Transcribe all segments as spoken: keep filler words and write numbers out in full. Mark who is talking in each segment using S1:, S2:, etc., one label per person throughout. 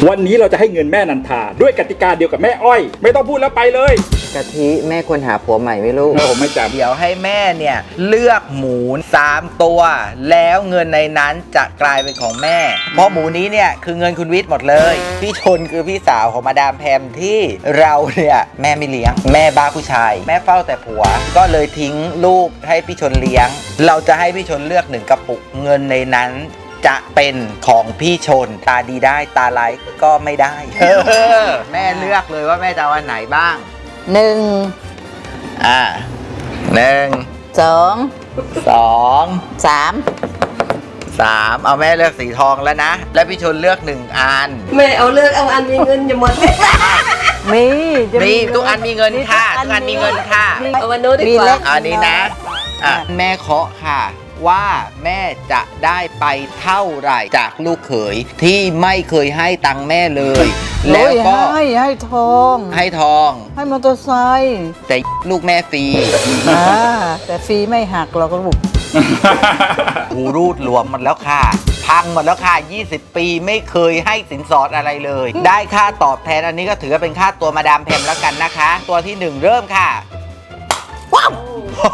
S1: วันนี้เราจะให้เงินแม่นันทาด้วยกติกาเดียวกับแม่อ้อยไม่ต้องพูดแล้วไปเลย
S2: กะทิแม่ควรหาผัวใหม่ไหมลูก
S1: ผมไม่จำ
S2: เดี๋ยวให้แม่เนี่ยเลือกหมูสามตัวแล้วเงินในนั้นจะกลายเป็นของแม่เพราะหมูนี้เนี่ยคือเงินคุณวิทย์หมดเลยพี่ชนคือพี่สาวของมาดามแพมที่เราเนี่ยแม่ไม่เลี้ยงแม่บ้าผู้ชายแม่เฝ้าแต่ผัวก็เลยทิ้งลูกให้พี่ชนเลี้ยงเราจะให้พี่ชนเลือกหนึ่งกระปุกเงินในนั้นจะเป็นของพี่ชนตาดีได้ตาร้ายก็ไม่ได้แม่เลือกเลยว่าแม่จะเอาอันไหนบ้าง
S3: หนึ่ง
S2: อ่าหนึ่ง
S3: สอง
S2: สอง
S3: สาม
S2: สามเอาแม่เลือกสีทองแล้วนะแล้วพี่ชนเลือกหนึ่งอัน
S4: แม่เอาเลือกเอาอันมีเงินอย่าหมด
S3: มี
S2: มีทุกอันมีเงินค่ะทุกอันมีเงินค่ะ
S4: เอาวันโน้ตดีกว่า
S2: อันนี้นะอ่ะแม่เคาะค่ะว่าแม่จะได้ไปเท่าไหร่จากลูกเขยที่ไม่เคยให้ตังค์แม่เลยแล้วก็
S3: ให้ให้ทอง
S2: ให้ทอง
S3: ให้มอเตอร์ไซค์
S2: แต่ลูกแม่ฟรี
S3: อ่าแต่ฟรีไม่หักเราก็ลูก
S2: หูรูดหลวมหมดแล้วค่ะพังหมดแล้วค่ะยี่สิบปีไม่เคยให้สินสอดอะไรเลยได้ค่าตอบแทนอันนี้ก็ถือว่าเป็นค่าตัวมาดามแพมแล้วกันนะคะตัวที่หนึ่งเริ่มค่ะว้าว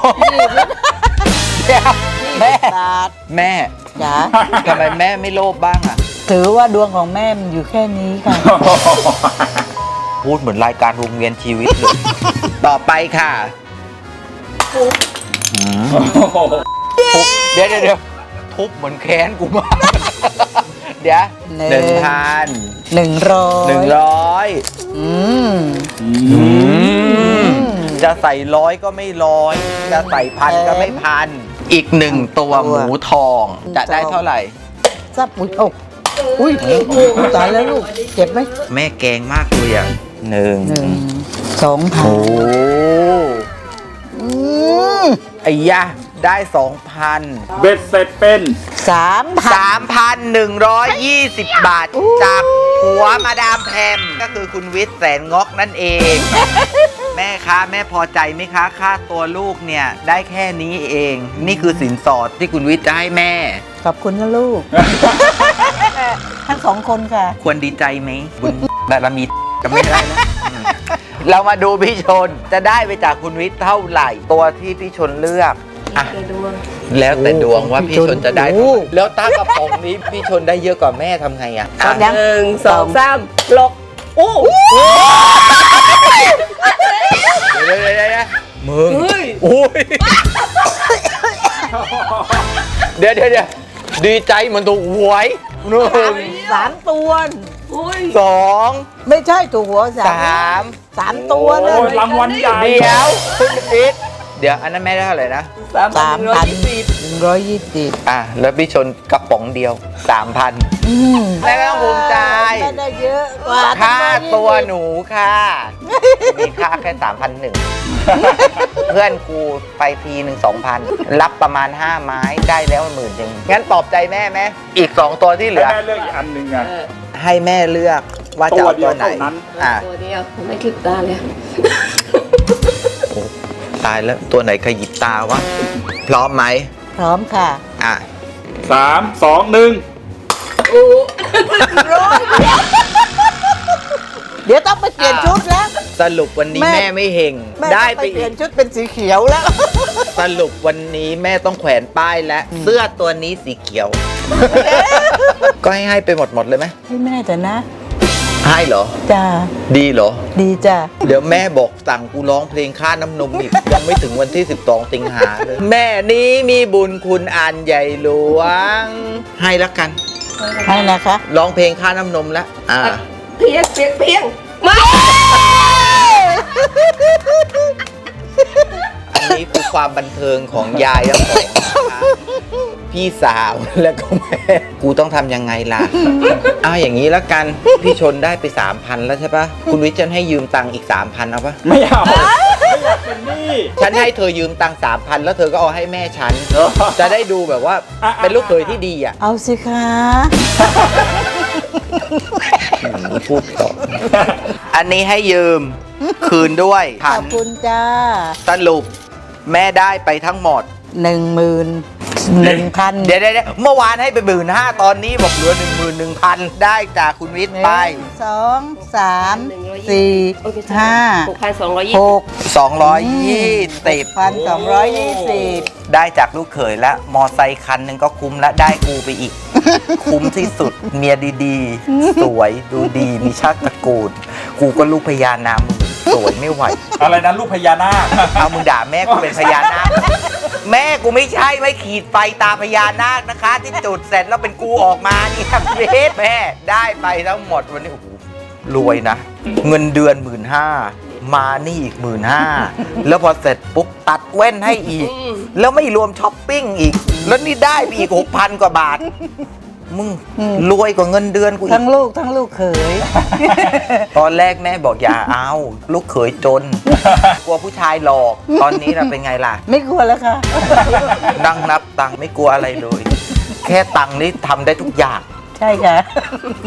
S2: แม่แม่
S3: จ๋า
S2: ทำไมแม่ไม่โลภบ้างอ่ะ
S3: ถือว่าดวงของแม่มันอยู่แค่นี้ค่ะ
S2: พูดเหมือนรายการวงเวียนชีวิตเลยต่อไปค่ะเดี๋ยวเดี๋ยวเดี๋ยวทุบเหมือนแค้นกูมากเดี๋ยวหนึ่งพัน
S3: หนึ่งร้อย
S2: หนึ่งร้อยจะใส่ร้อยก็ไม่ร้อยจะใส่พันก็ไม่พันอีกหนึ่งตัวหมูทองจะได้เท่าไหร่
S3: ซับอุ้ยอกอุ้ยตายแล้วลูกเจ็บไหม
S2: แม่แกงมากเลยอ่ะหนึ่ง
S3: สองพัน
S2: โอ้ไอ้ยะได้สองพัน
S1: เบ็ดเสร็จเป็น
S3: สามพัน
S2: สามพันหนึ่งร้อยยี่สิบบาทจากผัวมาดามแพมก็คือคุณวิทย์แสนงอกนั่นเองแม่คะแม่พอใจไหมคะค่าตัวลูกเนี่ยได้แค่นี้เองนี่คือสินสอดที่คุณวิทย์จะให้แม่
S3: ขอบคุณนะลูกทั้งสองคนค่ะ
S2: ควรดีใจไหมบุญบารมีก็ไม่ได้นะเรามาดูพี่ชนจะได้ไปจากคุณวิทย์เท่าไหร่ตัวที่พี่ชนเลือกแล้วแต่ดวงว่าพี่ชนจะได้แล้วตากระป๋องนี้พี่ชนได้เยอะกว่าแม่ทำไงอ่ะ
S4: หนึ่งสองสามลกโอ้
S2: เดี๋ยวเดี๋ยวเดี๋ยวมึงโอ้ยเดี๋ยวเดี๋ยวเดี๋ยวดีใจเหมือนตัวหวยหนึ่ง
S3: สามตัว
S2: สอง
S3: ไม่ใช่ตัวหัว
S2: สาม
S3: สามตัวเลย
S1: รางวัลใหญ่
S2: เดี๋ยวคุณอิทเดี๋ยวอันนั้นแม่ได้เท่าไหร่นะ
S3: สามพันหนึ่งร้อยยี่สิบ
S2: อ่ะแล้วพี่ชนกระป๋องเดียวสามพันแม่ไม่ต้องภูมิใจ
S3: ได้เยอะกว่า
S2: ค่าตัวหนูค่ะมีค่าแค่สามพันหนึ่งเพื่อนกูไปทีหนึ่งสองพันรับประมาณห้าไม้ได้แล้วหมื่นหนึ่งงั้นปลอบใจแม่ไหมอีกสองตัวที่เหลือ
S1: แม่เลือกอีกอันหนึ่งอ่ะ
S2: ให้แม่เลือกว่าจะเอาตัวไหน
S4: อ่ะตัวเดียวไม่คลิปตาเลย
S2: ตายแล้วตัวไหนขยิบตาวะพร้อมไหม
S3: พร้อมค่ะ
S2: อ่ะ
S1: สามสองหนึ่ง
S3: เดี๋ยวต้องไปเปลี่ยนชุดแล้ว
S2: สรุปวันนี้แม่ไม่เฮงได้ไป
S3: เปลี่ยนชุดเป็นสีเขียวแล้ว
S2: สรุปวันนี้แม่ต้องแขวนป้ายแล้วเสื้อตัวนี้สีเขียวก็ให้ให้ไปหมดหมดเลยไหม
S3: ให้แม่แต่นะ
S2: ให้เหรอ
S3: จ้า
S2: ดีเหรอ
S3: ดีจ้า
S2: เดี๋ยวแม่บอกสั่งกูร้องเพลงค่าน้ำนมอีกยังไม่ถึงวันที่สิบสองสิงหาเลยแม่นี้มีบุญคุณอันใหญ่หลวงให้ละกัน
S3: ให้นะคะ
S2: ร้องเพลงค่าน้ำนมแล้วอ่า
S4: เพียงเพียงเพียงมา
S2: อันนี้คือความบันเทิงของยายและของพี่สาวแล้วก็แม่กูต้องทำยังไงล่ะเอาอย่างนี้แล้วกันพี่ชนได้ไปสามพันแล้วใช่ปะคุณวิทย์จะให้ยืมตังค์อีกสามพันเอาปะ
S1: ไม่เอาไม่อยากเป็นหนี้
S2: ฉันให้เธอยืมตังค์สามพันแล้วเธอก็เอาให้แม่ฉันจะได้ดูแบบว่าเป็นลูกเขยที่ดีอ่ะ
S3: เอาสิคะ
S2: พูดต่ออันนี้ให้ยืมคืนด้วย
S3: ขอบคุณจ้า
S2: สรุปแม่ได้ไปทั้งหมด
S3: หนึ่งหมื่นหนึ่งพัน
S2: เดี๋ยวเดี๋ยวเดี๋ยวเมื่อวานให้ไปหมื่นห้าตอนนี้บอกเหลือหนึ่งหมื่นหนึ่งพันได้จากคุณวิทย์ไป
S3: สองสามสี่ห้า
S4: หกพันสองร้อยยี่
S3: ห
S4: สิบ
S3: ก
S2: สองร้อยยี่สิบ
S3: พันสองร้อยยี่สิบ
S2: ได้จากลูกเขยแล้วมอไซค์คันหนึ่งก็คุ้มแล้วได้กูไปอีก คุ้มที่สุดเมียดีๆ สวยดูดีมีชาติตระกูลกูก็ลูกพญานาคสวยไม่ไหว
S1: อะไรนะลูกพญานาค
S2: เอามึงด่าแม่กูเป็นพญานาค แม่กูไม่ใช่ไม่ขีดไฟตาพญานาคนะคะ ที่จุดเสร็จแล้วเป็นกูออกมานี่ทำเวทแม่ได้ไปทั้งหมดวันนี้โอ้โหรวยนะ เงินเดือนหมื่นห้ามานี่อีกหมื่นห้าแล้วพอเสร็จปุ๊บตัดแว่นให้อีก แล้วไม่รวมช้อปปิ้งอีก แล้วนี่ได้ไปอีกหกพันกว่าบาท มึงรวยกว่าเงินเดือนกูอี
S3: ทั้
S2: ก
S3: งลูกทั้งลูกเขย
S2: ตอนแรกแม่บอกอย่าเอา ลูกเขยจน กลัวผู้ชายหลอก ตอนนี้เราเป็นไงล่ะ
S3: ไม่กลัวแล้วค่ะ
S2: นั่งนับตังค์ไม่กลัวอะไรเลย แค่ตังค์นี่ทำได้ทุกอย่าง
S3: ใช่ค่ะ